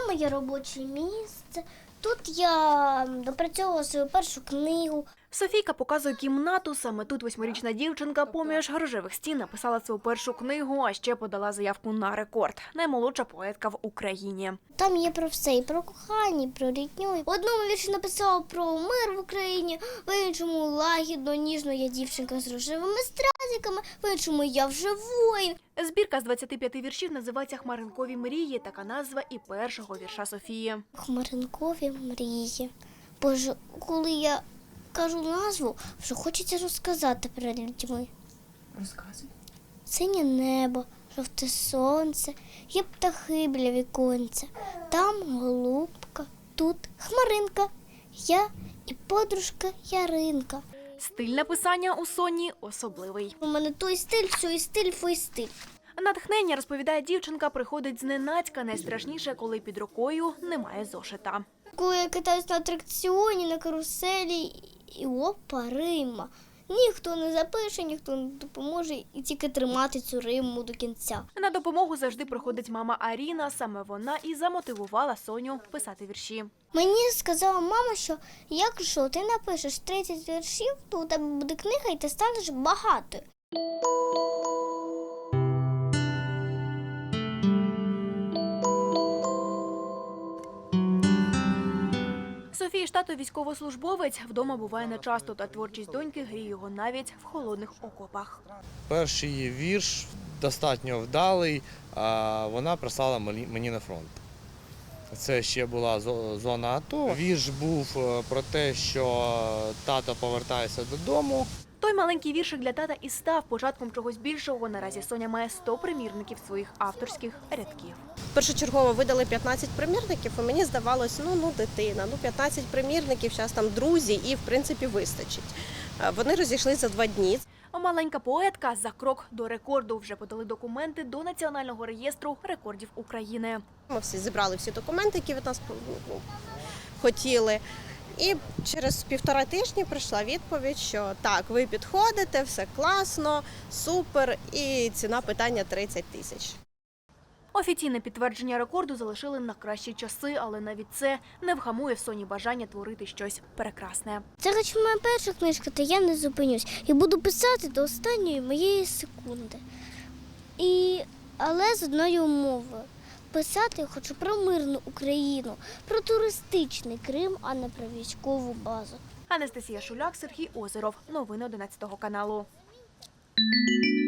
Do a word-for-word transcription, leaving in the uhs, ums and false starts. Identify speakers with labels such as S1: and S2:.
S1: Це моє робоче місце. Тут я допрацьовувала свою першу книгу.
S2: Софійка показує кімнату. Саме тут восьмирічна дівчинка поміж рожевих стін написала свою першу книгу, а ще подала заявку на рекорд. Наймолодша поетка в Україні.
S1: Там є про все, і про кохання, і про рідню. В одному вірші написала про мир в Україні, в іншому лагідно, ніжно я дівчинка з рожевими стразиками, в іншому я вже воїн.
S2: Збірка з двадцяти п'яти віршів називається «Хмаринкові мрії». Така назва і першого вірша Софії.
S1: Хмаринкові мрії. Боже, коли я кажу назву, вже хочеться розказати перед людьми.
S3: Розказуй.
S1: Синє небо, жовте сонце, є птахи біля віконця. Там голубка, тут хмаринка, я і подружка Яринка.
S2: Стиль написання у Соні особливий.
S1: У мене той стиль, сьой стиль, фой стиль.
S2: Натхнення, розповідає дівчинка, приходить зненацька. Найстрашніше, коли під рукою немає зошита.
S1: Коли я катаюсь на атракціоні, на каруселі, і опа, рима. Ніхто не запише, ніхто не допоможе, і тільки тримати цю риму до кінця.
S2: На допомогу завжди приходить мама Аріна. Саме вона і замотивувала Соню писати вірші.
S1: Мені сказала мама, що якщо ти напишеш тридцять віршів, то у тебе буде книга і ти станеш багатою.
S2: Софії ж тато військовослужбовець, вдома буває нечасто, та творчість доньки гріє його навіть в холодних окопах.
S4: Перший її вірш достатньо вдалий, а вона прислала мені на фронт. Це ще була зона АТО. Вірш був про те, що тато повертається додому.
S2: Той маленький віршик для тата і став початком чогось більшого. Наразі Соня має сто примірників своїх авторських рядків.
S3: Першочергово видали п'ятнадцять примірників, і мені здавалось, ну, ну, дитина, ну, п'ятнадцять примірників, зараз там друзі, і, в принципі, вистачить. Вони розійшлися за два дні.
S2: Маленька поетка за крок до рекорду. Вже подали документи до Національного реєстру рекордів України.
S3: Ми всі зібрали всі документи, які від нас хотіли. І через півтора тижні прийшла відповідь, що так, ви підходите, все класно, супер, і ціна питання тридцять тисяч.
S2: Офіційне підтвердження рекорду залишили на кращі часи, але навіть це не вгамує в Соні бажання творити щось прекрасне.
S1: Це хоч моя перша книжка, та я не зупинюсь. І буду писати до останньої моєї секунди. І... Але з одною умовою. Писати я хочу про мирну Україну, про туристичний Крим, а не про військову базу.
S2: Анастасія Шуляк, Сергій Озеров. Новини одинадцятого каналу.